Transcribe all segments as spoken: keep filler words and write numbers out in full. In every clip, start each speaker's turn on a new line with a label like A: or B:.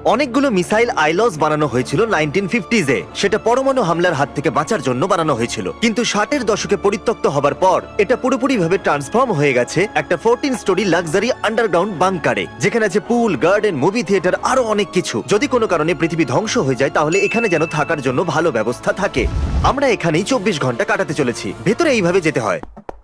A: অনেকগুলো মিসাইল আইলস বানানো হয়েছিল নাইনটিন ফিফটিজ এ। সেটা পরমাণু হামলার হাত থেকে বাঁচার জন্য বানানো হয়েছিল, কিন্তু ষাটের দশকে পরিত্যক্ত হবার পর এটা পুরোপুরি ভাবে ট্রান্সফর্ম হয়ে গেছে একটা ফোরটিন স্টোরি লাক্সারি আন্ডারগ্রাউন্ড বাংকারে, যেখানে আছে পুল, গার্ডেন, মুভি থিয়েটার, আরো অনেক কিছু। যদি কোনো কারণে পৃথিবী ধ্বংস হয়ে যায় তাহলে এখানে যেন থাকার জন্য ভালো ব্যবস্থা থাকে। আমরা এখানেই চব্বিশ ঘন্টা কাটাতে চলেছি। ভেতরে এইভাবে যেতে হয়।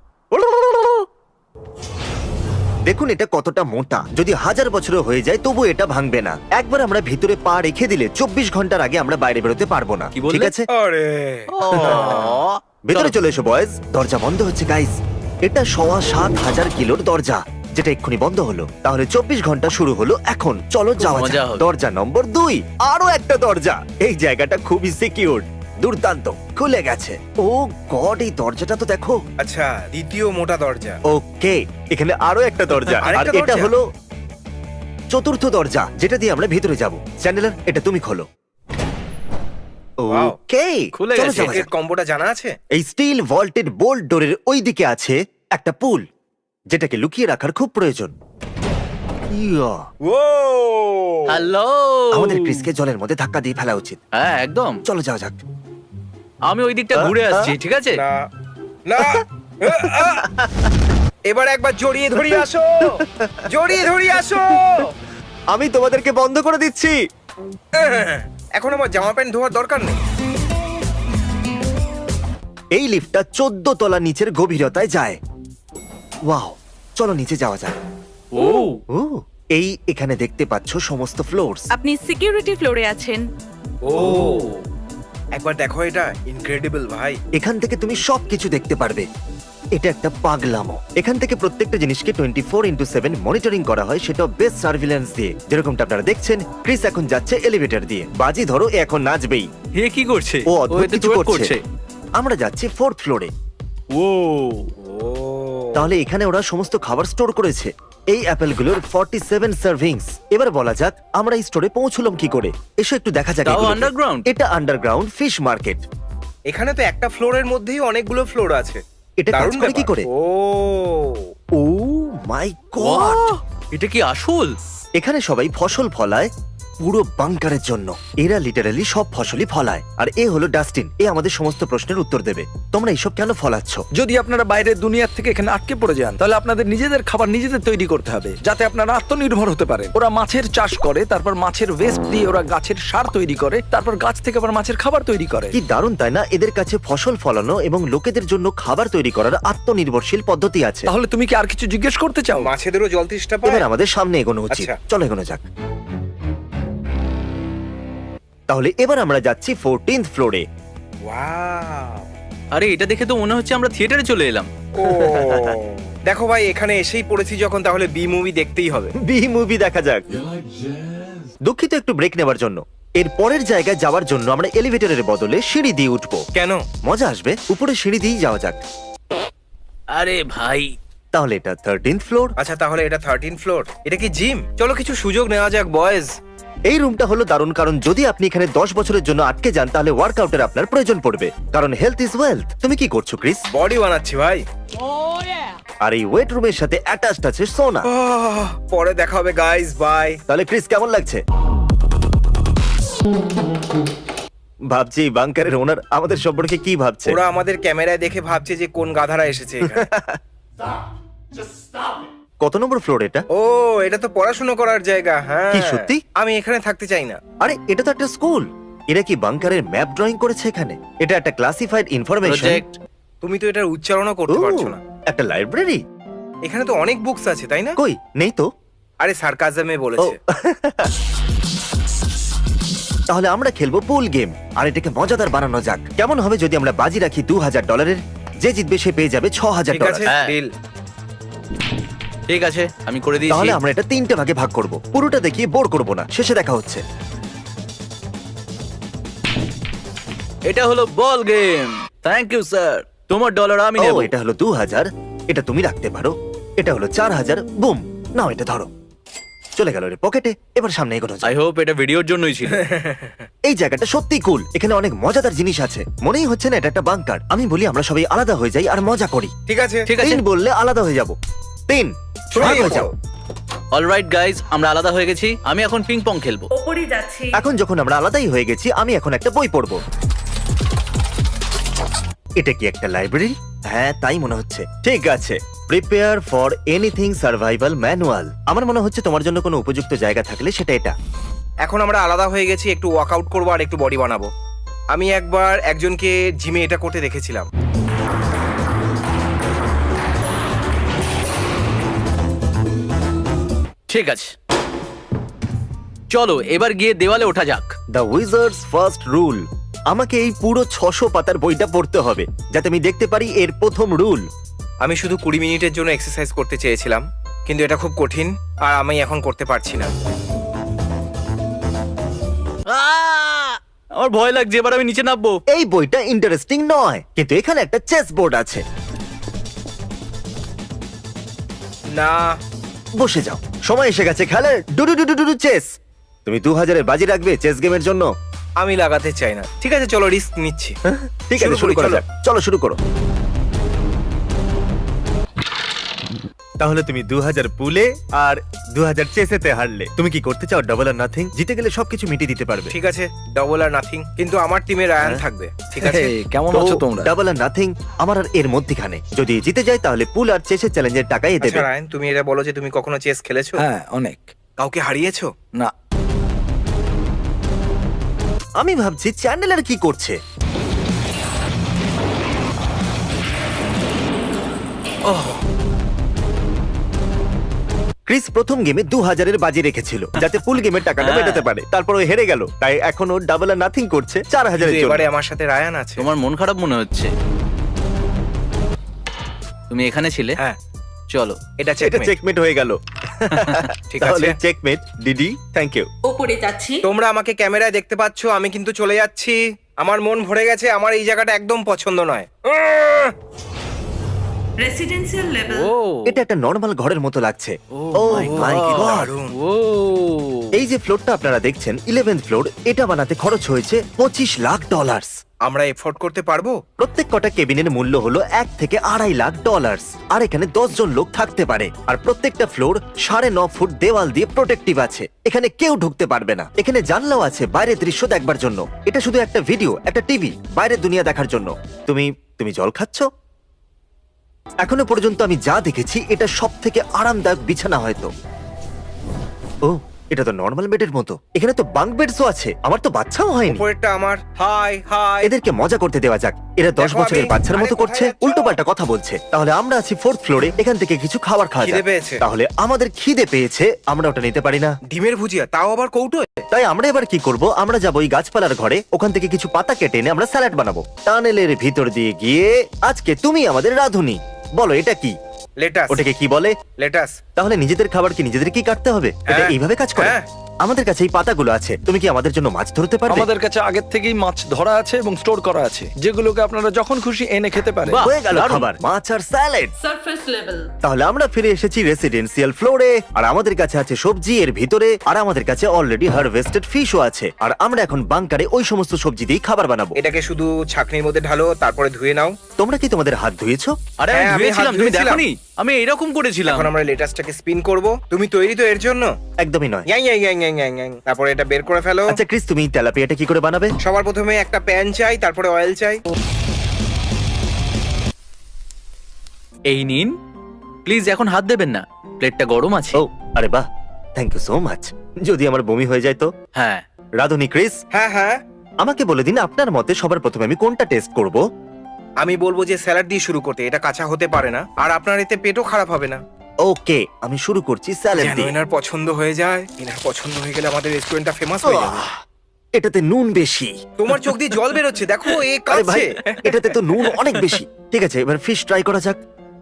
A: দেখুন এটা কতটা মোটা, যদি হাজার বছরও হয়ে যায় তবু এটা ভাঙবে না। একবার আমরা ভিতরে পা রেখে দিলে চব্বিশ ঘন্টার আগে আমরা বাইরে বেরোতে পারবো না।
B: কি বললে?
A: ঠিক আছে,
C: আরে
A: ভেতরে চলে এসো বয়েজ। দরজা বন্ধ হচ্ছে গাইস। এটা সওয়া সাত হাজার কিলোর দরজা, যেটা এক্ষুনি বন্ধ হলো। তাহলে চব্বিশ ঘন্টা শুরু হলো এখন। চলো যাওয়া
B: মজা
A: যাক।
B: হবে।
A: দরজা নম্বর দুই, আরো একটা দরজা। এই জায়গাটা খুবই সিকিউর, দুর্দান্ত, খুলে গেছে। ও গড, এই দরজাটা তো দেখো।
C: আচ্ছা, দ্বিতীয় মোটা দরজা।
A: ওকে, এখানে আরো একটা দরজা, আর
C: আরেকটা
A: এটা
C: দরজা?
A: হলো চতুর্থ দরজা, যেটা দিয়ে আমরা ভিতরে যাব। চ্যান্ডেলার, এটা তুমি খোলো।
C: Wow.
A: ওকে,
B: খুলে
A: চলো
B: গেছে।
A: যাওয়া
C: এর
A: যাক।
C: কম্বোটা জানা আছে?
A: এই স্টিল ভল্টেড বোল্ট ডোরের ওই দিকে আছে একটা পুল, যেটাকে লুকিয়ে রাখার খুব প্রয়োজন। Yeah,
C: oh
B: hello.
A: আমাদের ক্রিসকে জলের মধ্যে ধাক্কা দিয়ে ফেলা উচিত।
B: হ্যাঁ একদম।
A: চলো যাওয়া যাক।
B: আমি ওই দিকটা ঘুরে আসছি, ঠিক আছে?
C: না না আ, আ। এবার একবার জড়িয়ে ধরিয়ে আসো, জড়িয়ে ধরিয়ে আসো।
A: আমি তোমাদেরকে বন্ধ করে দিচ্ছি।
C: এখন আমার জামা প্যান্ট ধোয়ার দরকার নেই।
A: এই লিফটটা চোদ্দ তলা নিচের গভীরতায় যায়। ওয়াও, চলো নিচে যাওয়া যাক।
B: ও
A: ও, এই এখানে দেখতে পাচ্ছ সমস্ত ফ্লোরস।
D: আপনি সিকিউরিটি ফ্লোরে আছেন।
C: ও একবার দেখো, এটা ইনক্রেডিবল ভাই।
A: এখান থেকে তুমি সবকিছু দেখতে পারবে। এটা একটা পাগলামো। এখান থেকে প্রত্যেকটা জিনিসকে twenty four into seven monitoring করা হয়, সেটা বেস্ট সার্ভিলেন্স দিয়ে। যেরকমটা আপনারা দেখছেন, ক্রিস এখন যাচ্ছে এলিভেটর দিয়ে। বাজি ধরো এ এখন নাচবেই।
B: হে কি করছে?
A: ও অদ্ভুত
B: এতে
A: কিছু
B: twerk
A: করছে। আমরা যাচ্ছি ফোর্থ ফ্লোরে।
B: ও
C: ও
A: তাহলে এখানে ওরা সমস্ত খাবার স্টোর করেছে। এই অ্যাপেলগুলোর ফর্টি সেভেন সার্ভিংস। এবার বলা যাক আমরা এই স্টোরে পৌঁছলাম কি করে। এসো একটু দেখা যাক।
B: তাও
A: এগুলোকে।
B: underground?
A: এটা আন্ডারগ্রাউন্ড ফিশ মার্কেট।
C: এখানে তো একটা ফ্লোরের মধ্যেই অনেকগুলো ফ্লোর আছে।
A: এটা কাজ
C: দারুণ
A: করে কি
C: ব্যাপার।
A: করে?
C: Oh
A: oh my god,
B: Wow! এটা কি আসল?
A: এখানে সবাই ফসল ফলায় পুরো বাংকারের জন্য। এরা লিটারালি সব ফসলই ফলায়। আর এ হলো ডাস্টিন, এ আমাদের সমস্ত প্রশ্নের উত্তর দেবে। তোমরা এইসব কেন ফলাচ্ছ?
E: যদি আপনারা বাইরের দুনিয়ার থেকে এখানে আটকে পড়ে যান, তাহলে আপনাদের নিজেদের খাবার নিজেদের তৈরি করতে হবে, যাতে আপনারা আত্মনির্ভর হতে পারেন। ওরা মাছের চাষ করে, তারপর মাছের ওয়েস্ট দিয়ে ওরা গাছের সার তৈরি করে, তারপর গাছ থেকে আবার মাছের খাবার তৈরি করে।
A: কি দারুণ তাই না? এদের কাছে ফসল ফলানো এবং লোকেদের জন্য খাবার তৈরি করার আত্মনির্ভরশীল পদ্ধতি আছে।
E: তাহলে তুমি কি আর কিছু জিজ্ঞেস করতে চাও?
C: মাছেদেরও জল তৃষ্ণা পায়।
A: এবার আমাদের সামনে এগোনো উচিত।
C: আচ্ছা।
A: চলো এগোনো যাক। তাহলে এবার আমরা যাচ্ছি ফোরটিন্থ ফ্লোরে।
C: ওয়াও
B: আরে এটা দেখে তো মনে হচ্ছে আমরা থিয়েটারে চলে এলাম।
C: ও দেখো ভাই, এখানে এসেই পড়েছি যখন, তাহলে বি মুভি দেখতেই হবে।
A: বি মুভি দেখা যাক। দুঃখিত একটু ব্রেক নেবার জন্য। এর পরের জায়গায় যাওয়ার জন্য আমরা এলিভেটরের বদলে সিঁড়ি দিয়ে উঠবো।
C: কেন?
A: মজা আসবে। উপরে সিঁড়ি দিয়েই যাওয়া যাক।
B: আরে ভাই,
A: তাহলে এটা থার্টিন্থ ফ্লোর।
C: আচ্ছা, তাহলে এটা থার্টিন ফ্লোর। এটা কি জিম? চলো কিছু সুযোগ নেওয়া যাক বয়েজ।
A: এই রুমটা হলো দারুণ, কারণ যদি আপনি এখানে দশ বছরের জন্য আটকে যান তাহলে ওয়ার্কআউটের আপনার প্রয়োজন পড়বে, কারণ হেলথ ইজ ওয়েলথ। তুমি কি করছো ক্রিস?
C: বডি বানাচ্ছি ভাই।
A: আর এই ওয়েট রুমের সাথে অ্যাটাচড আছে সোনা।
C: আহ, পরে দেখা হবে গাইস, বাই।
A: তাহলে ক্রিস কেমন লাগছে? ভাবছি বাংকারের ওনার আমাদের সম্পর্কে কি ভাবছে।
C: ওরা আমাদের ক্যামেরায় দেখে ভাবছে যে কোন গাধারা এসেছে এখানে।
A: কত নম্বর ফ্লোর এটা?
C: ও, এটা তো পড়াশোনা করার জায়গা। হ্যাঁ,
A: কি সত্যি?
C: আমি এখানে থাকতে চাই না।
A: আরে এটা তো একটা স্কুল। এরা কি বাংকারের ম্যাপ ড্রয়িং করেছে এখানে? এটা একটা ক্লাসিফাইড ইনফরমেশন।
B: প্রজেক্ট।
C: তুমি তো এটার উচ্চারণও করতে পারছো না।
A: একটা লাইব্রেরি।
C: এখানে তো অনেক বুকস আছে, তাই না?
A: কই নেই তো।
C: আরে সার্কাজমে
A: ও
C: বলেছে।
A: তাহলে আমরা খেলবো পুল গেম, আর এটাকে মজাদার বানানো যাক। কেমন হবে যদি আমরা বাজি রাখি দু হাজার ডলারের? যে জিতবে সে পেয়ে যাবে ছ হাজার
C: ঠিক
A: ডলার।
C: আছে,
B: হ্যাঁ।
C: ডিল।
B: ঠিক আছে, আমি করে দিয়েছি।
A: তাহলে আমরা এটা তিনটে ভাগে ভাগ করব। পুরোটা দেখিয়ে বোর করব না, শেষে দেখা হচ্ছে।
B: এটা হলো ball game. Thank you sir. তোমার ডলার আমি
A: ও
B: নেব।
A: এটা হলো দু হাজার, এটা তুমি রাখতে পারো। এটা হলো চার হাজার। বুম, নাও এটা ধরো। চলে গেল রে পকেটে। এবার সামনে এগোনো যাক।
B: আই হোপ এটা ভিডিওর জন্যই ছিল।
A: এই জায়গাটা সত্যি কুল। এখানে অনেক মজাদার জিনিস আছে। মনেই হচ্ছে না এটা একটা বাংকার। আমি বলি আমরা সবাই আলাদা হয়ে যাই আর মজা করি।
C: ঠিক আছে,
B: ঠিক আছে।
A: তিন বললে আলাদা হয়ে যাব। তিন,
C: শুরু
A: ভাগ
C: হয়ে
A: হয়ে যাও।
C: যাও।
B: অলরাইট গাইজ, আমরা আলাদা হয়ে গেছি। আমি এখন পিং পং খেলবো।
D: ওপরে যাচ্ছি।
A: এখন যখন আমরা আলাদাই হয়ে গেছি, আমি এখন একটা বই পড়বো। এটা কি একটা লাইব্রেরি? হ্যাঁ, তাই মনে হচ্ছে। ঠিক আছে, prepare for anything survival manual. আমার মনে হচ্ছে তোমার জন্য কোনো উপযুক্ত জায়গা থাকলে সেটা এটা।
C: এখন আমরা আলাদা হয়ে গেছি, একটু ওয়ার্কআউট করবো আর একটু বডি বানাবো। আমি একবার একজনকে জিমে এটা করতে দেখেছিলাম।
B: ঠিক আছে, চলো এবার গিয়ে দেওয়ালে ওঠা যাক।
A: The wizards first rule. আমাকে এই পুরো ছশো পাতার বইটা পড়তে হবে যাতে আমি দেখতে পারি এর প্রথম রুল।
C: আমি শুধু কুড়ি মিনিটের জন্য এক্সারসাইজ করতে চেয়েছিলাম, কিন্তু এটা খুব কঠিন আর আমি এখন করতে পারছি না।
B: আহ! আমার ভয় লাগছে, এবার আমি নিচে নামবো।
A: এই বইটা ইন্টারেস্টিং নয়, কিন্তু এখানে একটা চেস বোর্ড আছে।
C: না,
A: বসে যাও, সময় এসে গেছে খেলার। ডুডু ডুডু ডুডু চেস। তুমি দু হাজারের বাজি রাখবে চেস গেমের জন্য?
C: আমি লাগাতে চাই না। ঠিক আছে, চলো রিস্ক নিচ্ছি।
A: হ্যাঁ, ঠিক আছে,
C: শুরু
A: শুরু
C: করি,
A: করা
C: চলো।
A: যাক। চলো শুরু করো। তাহলে তুমি দু হাজার পুলে আর দু হাজার চেসেতে হারলে। তুমি কি করতে চাও? Double or nothing? জিতে গেলে সবকিছু মিটিয়ে দিতে পারবে।
C: ঠিক আছে, ডবল আর নাথিং, কিন্তু আমার টিমে রায়ান
A: হ্যাঁ।
C: থাকবে। ঠিক আছে,
E: Hey, কেমন আছো তোমরা?
A: ডাবল আর নাথিং আমার আর এর মধ্যখানে। যদি জিতে যায় তাহলে পুল আর চেসের চ্যালেঞ্জের টাকাই দেবে।
C: আচ্ছা রায়ান, তুমি এটা বলো যে তুমি কখনো চেস খেলেছো?
E: হ্যাঁ, অনেক।
C: কাউকে হারিয়েছো?
E: না,
A: আমি ভাবছি চ্যান্ডেলার কি করছে। ক্রিস প্রথম গেমে দু হাজারের বাজি রেখেছিল যাতে ফুল গেমের টাকাটা
B: হ্যাঁ।
A: মেটাতে পারে। তারপর ও হেরে গেল, তাই এখন ও ডাবল আর নাথিং করছে চার হাজারের
C: কিন্তু
A: জন্য।
C: এবারে আমার সাথে রায়ান আছে।
B: তোমার মন খারাপ মনে হচ্ছে। তুমি এখানে ছিলে?
C: হ্যাঁ,
B: চলো।
C: এটা
A: এটা
C: চেকমেট।
A: চেকমেট হয়ে গেল।
C: ঠিক
A: তাহলে
C: আছে,
A: চেকমেট ডিডি, থ্যাংক ইউ।
D: ওপরে যাচ্ছি।
C: তোমরা আমাকে ক্যামেরায় দেখতে পাচ্ছ, আমি কিন্তু চলে যাচ্ছি। আমার মন ভরে গেছে, আমার এই জায়গাটা একদম পছন্দ নয়। উম,
D: রেসিডেন্সিয়াল লেভেল।
B: ও
A: এটা একটা নর্মাল ঘরের মতো লাগছে।
B: Oh
A: Oh
B: my
A: my
B: God.
A: God!
C: দারুণ।
B: ও
A: এই যে ফ্লোরটা আপনারা দেখছেন, ইলেভেন্থ ফ্লোর, এটা বানাতে খরচ হয়েছে পঁচিশ লাখ ডলার।
C: আমরা এফোর্ড করতে পারবো?
A: প্রত্যেক কটা কেবিনের মূল্য হলো এক থেকে আড়াই লাখ ডলার। আর এখানে দশ জন লোক থাকতে পারে। আর প্রত্যেকটা ফ্লোর সাড়ে ন ফুট দেওয়াল দিয়ে প্রোটেক্টিভ আছে। এখানে কেউ ঢুকতে পারবে না। এখানে জানলাও আছে বাইরের দৃশ্য দেখবার জন্য। এটা শুধু একটা ভিডিও, একটা টিভি, বাইরের দুনিয়া দেখার জন্য। তুমি তুমি জল খাচ্ছ? এখনো পর্যন্ত আমি যা দেখেছি এটা সব থেকে আরামদায়ক বিছানা হয়তো। ও, এটা তো নর্মাল বেডের মতো। এখানে তো বাঙ্ক বেডসও আছে। আমার তো বাচ্চাও হয়নি।
C: উপরেরটা আমার। Hi hi.
A: এদেরকে মজা করতে দেওয়া যাক। এরা দশ
C: দেখো
A: বছরের
C: আমি-
A: বাচ্চার মতো
C: আরে
A: করছে,
C: কোথায় যাচ্ছো?
A: উল্টো পাল্টা কথা বলছে। তাহলে আমরা আছি ফোর্থ ফ্লোরে, এখান থেকে কিছু খাবার খাওয়া
C: খিদে
A: যাক।
C: পেয়েছে।
A: তাহলে আমাদের খিদে পেয়েছে, আমরা ওটা নিতে পারি না।
C: ডিমের ভুজিয়া, তাও আবার কৌটোয়।
A: তাই আমরা এবার কি করব? আমরা যাবো ওই গাছপালার ঘরে, ওখান থেকে কিছু পাতা কেটে এনে আমরা স্যালাড বানাবো। টানেলের ভিতর দিয়ে গিয়ে আজকে তুমি আমাদের রাঁধুনি। বলো এটা কি?
C: লেটাস।
A: ওটাকে কি বলে?
C: লেটাস।
A: তাহলে নিজেদের খাবার কি নিজেদের কি কাটতে হবে? এটা
C: হ্যাঁ।
A: এইভাবে কাজ করে?
C: হ্যাঁ।
A: আমাদের কাছে এই পাতাগুলো আছে। তুমি কি আমাদের জন্য মাছ ধরতে পারবে?
E: আমাদের কাছে আগের থেকেই মাছ ধরা আছে এবং স্টোর করা আছে, যেগুলোকে আপনারা যখন খুশি এনে খেতে পারেন।
B: বাহ,
A: হয়ে গেল
B: দারুণ।
A: খাবার, মাছ আর স্যালাড।
D: Surface level.
A: তাহলে আমরা ফিরে এসেছি রেসিডেন্সিয়াল ফ্লোরে। আর আমাদের কাছে আছে সবজি এর ভিতরে, আর আমাদের কাছে অলরেডি হারভেস্টেড ফিশও আছে। আর আমরা এখন বাংকারে ওই সমস্ত সবজি দিয়ে খাবার বানাবো।
C: এটাকে শুধু ছাকনির মধ্যে ঢালো, তারপরে ধুয়ে নাও।
A: তোমরা কি তোমাদের হাত ধুয়েছো?
B: আরে আমি
C: হ্যাঁ, আমি হাত
B: ধুয়েছিলাম, তুমি
C: ধুয়েছিলাম।
B: দেখোনি? আমি এরকম করেছিলাম।
C: এখন আমরা লেটাসটাকে স্পিন করব। তুমি তৈরি তো এর জন্য?
A: একদমই নয়।
C: ইয়াং ইয়াং ইয়াং ইয়াং ইয়াং ইয়াং। তারপরে এটা বের করে ফেলো।
A: আচ্ছা ক্রিস, তুমি তেলাপিয়াটা কি করে বানাবে?
C: সবার প্রথমে একটা প্যান চাই, তারপরে অয়েল চাই।
B: এই নিন, প্লিজ এখন হাত দেবেন না, প্লেটটা গরম আছে।
A: ও আরে বাহ, থ্যাংক ইউ সো মাচ। যদি আমার বমি হয়ে যায় তো?
B: হ্যাঁ,
A: রাধুনি, ক্রিস,
C: হ্যাঁ হ্যাঁ,
A: আমাকে বলে দিন আপনার মতে সবার প্রথমে আমি কোনটা টেস্ট করব?
C: আমি বলবো যে স্যালাড দিয়ে শুরু করতে। এটা কাঁচা হতে পারে না, আর আপনার এতে পেটও খারাপ হবে না।
A: ওকে, আমি শুরু করছি স্যালাড
C: যেন
A: দিয়ে।
C: এনার পছন্দ হয়ে যায়। এনার পছন্দ হয়ে গেলে আমাদের রেস্টুরেন্টটা ফেমাস হয়ে যাবে।
A: আহ, এটাতে নুন বেশি।
C: তোমার চোখ দিয়ে জল বেরোচ্ছে, দেখো এ
A: আরে ভাই,
C: কাঁদছে।
A: এটাতে তো নুন অনেক বেশি। ঠিক আছে, এবার ফিশ ট্রাই করা যাক।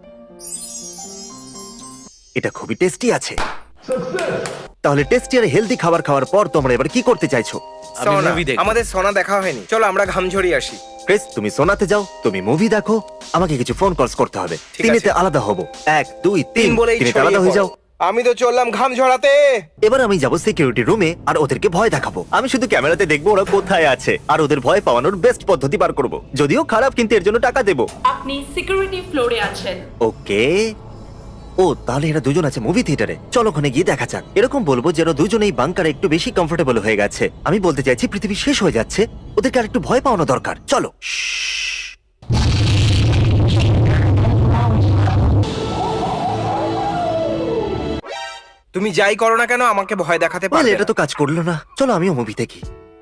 A: এটা খুবই টেস্টি আছে। তাহলে টেস্টি আর হেলদি খাবার খাওয়ার পর তোমরা এবার কি করতে চাইছো?
B: আমি
C: সোনা,
B: মুভি দেখব।
C: আমাদের সোনা দেখা হয়নি, চলো আমরা ঘাম ঝরিয়ে আসি।
A: ক্রিস, তুমি সোনাতে যাও, তুমি মুভি দেখো, আমাকে কিছু ফোন কলস করতে হবে।
C: ঠিক
A: তিনেতে
C: আছে।
A: আলাদা হব। এক দুই তিন,
C: তিন বলেই
A: তিনেতে
C: ছড়িয়ে
A: আলাদা হয়ে
C: পড়ো।
A: যাও।
C: আমি তো চললাম ঘাম ঝরাতে।
A: এবার আমি যাব সিকিউরিটি রুমে আর ওদেরকে ভয় দেখাবো। আমি শুধু ক্যামেরাতে দেখবো ওরা কোথায় আছে, আর ওদের ভয় পাওয়ানোর বেস্ট পদ্ধতি বার করব। যদিও খারাপ, কিন্তু এর জন্য টাকা দেবো।
D: আপনি সিকিউরিটি ফ্লোরে আছেন।
A: ওকে, ও তাহলে এরা দুজন আছে মুভি থিয়েটারে, চলো ওখানে গিয়ে দেখা যাক। এরকম বলবো যে ওরা দুজনেই বাংকারে একটু বেশি কমফোর্টেবল হয়ে গেছে। আমি বলতে চাইছি পৃথিবী শেষ হয়ে যাচ্ছে, ওদেরকে আর একটু ভয় পাওয়ানো দরকার। চলো।
C: তুমি যাই করো না কেন আমাকে ভয় দেখাতে
A: বলে
C: পারবে
A: এটা
C: না।
A: তো কাজ করলো না, চলো আমিও মুভি দেখি।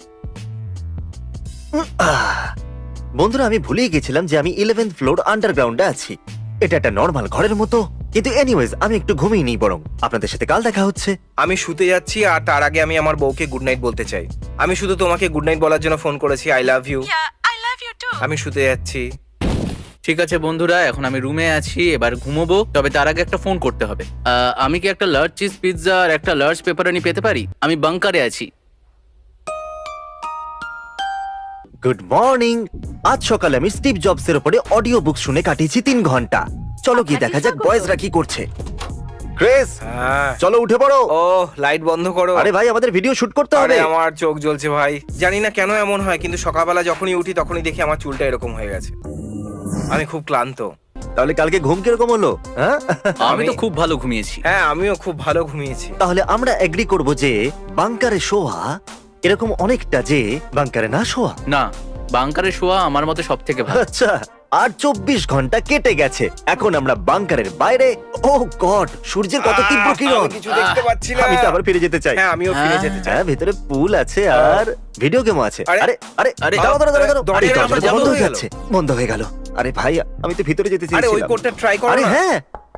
A: উম, আহ। বন্ধুরা আমি ভুলেই গেছিলাম যে আমি ইলেভেন্থ ফ্লোর আন্ডারগ্রাউন্ডে আছি। এটা একটা নর্মাল ঘরের মতো, কিন্তু এনিওয়েজ আমি একটু ঘুমিয়ে নিই বরং। আপনাদের সাথে কাল দেখা হচ্ছে।
C: আমি শুতে যাচ্ছি আর তার আগে আমি আমার বউকে গুড নাইট বলতে চাই। আমি শুধু তোমাকে গুড নাইট বলার জন্য ফোন করেছি। I love you.
D: I love you too.
C: আমি শুতে যাচ্ছি।
B: ঠিক আছে বন্ধুরা, এখন আমি রুমে আছি, এবার ঘুমোবো। তবে তার আগে একটা ফোন করতে হবে। আহ, আমি কি একটা লার্জ চিজ পিৎজা আর একটা লার্জ পেপারনি পেতে পারি? আমি বাংকারে আছি।
A: Good morning. আজ সকালে আমি স্টিভ জবসের উপরে অডিও বুক শুনে কাটিয়েছি তিন ঘন্টা। চলো গিয়ে দেখা যাক বয়েজরা কি করছে। ক্রিস
C: হ্যাঁ।
A: চলো উঠে পড়ো।
C: ও লাইট বন্ধ করো।
A: আরে ভাই আমাদের ভিডিও শুট করতে
C: আরে
A: হবে।
C: আমার চোখ জ্বলছে ভাই। জানি না কেন এমন হয়, কিন্তু সকালবেলা যখনই উঠি তখনই দেখি আমার চুলটা এরকম হয়ে গেছে। আমি খুব ক্লান্ত।
A: তাহলে কালকে ঘুম কিরকম হলো? হ্যাঁ
B: আমি তো
C: আমি-
B: খুব ভালো ঘুমিয়েছি।
C: হ্যাঁ আমিও খুব ভালো ঘুমিয়েছি।
A: তাহলে আমরা এগ্রি করব যে বাংকারে শোয়া এরকম অনেকটা যে বাংকারে না শোয়া।
B: না, বাংকারে শোয়া আমার মতে সব থেকে ভালো।
A: আচ্ছা আর চব্বিশ ঘন্টা কেটে গেছে, এখন আমরা বাংকারের বাইরে। ও গড, সূর্যের কত তীব্র
C: আহ,
A: কিরণ।
C: আমি কিছু দেখতে পাচ্ছি না।
A: আমি তো আবার ফিরে যেতে চাই।
C: হ্যাঁ আমিও ফিরে
B: হ্যাঁ।
C: যেতে চাই।
A: হ্যাঁ ভেতরে পুল আছে আর ভিডিও গেমও আছে।
C: আরে,
A: আরে আরে
B: আরে,
A: দাঁড়াও দাঁড়াও দাঁড়াও দাঁড়াও। আরে
C: দরজাটা
A: দরজাটা
C: বন্ধ
A: বন্ধ হয়ে
C: হয়ে গেল।
A: যাচ্ছে, বন্ধ হয়ে গেল। আরে ভাই আমি তো ভিতরে যেতে
C: আরে ওই
A: চেয়েছিলাম।
C: কোডটা ট্রাই করো
A: আরে
C: না।
A: হ্যাঁ,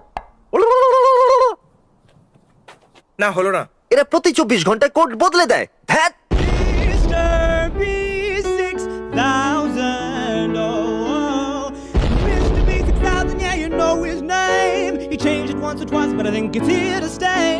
C: না হলো না।
A: এরা প্রতি চব্বিশ ঘন্টায় কোড বদলে দেয়। ধ্যাৎ।
F: Mister B six thousand, oh, oh. Mister B six thousand, yeah, you know his name. He changed it once or twice, but I think it's here to stay.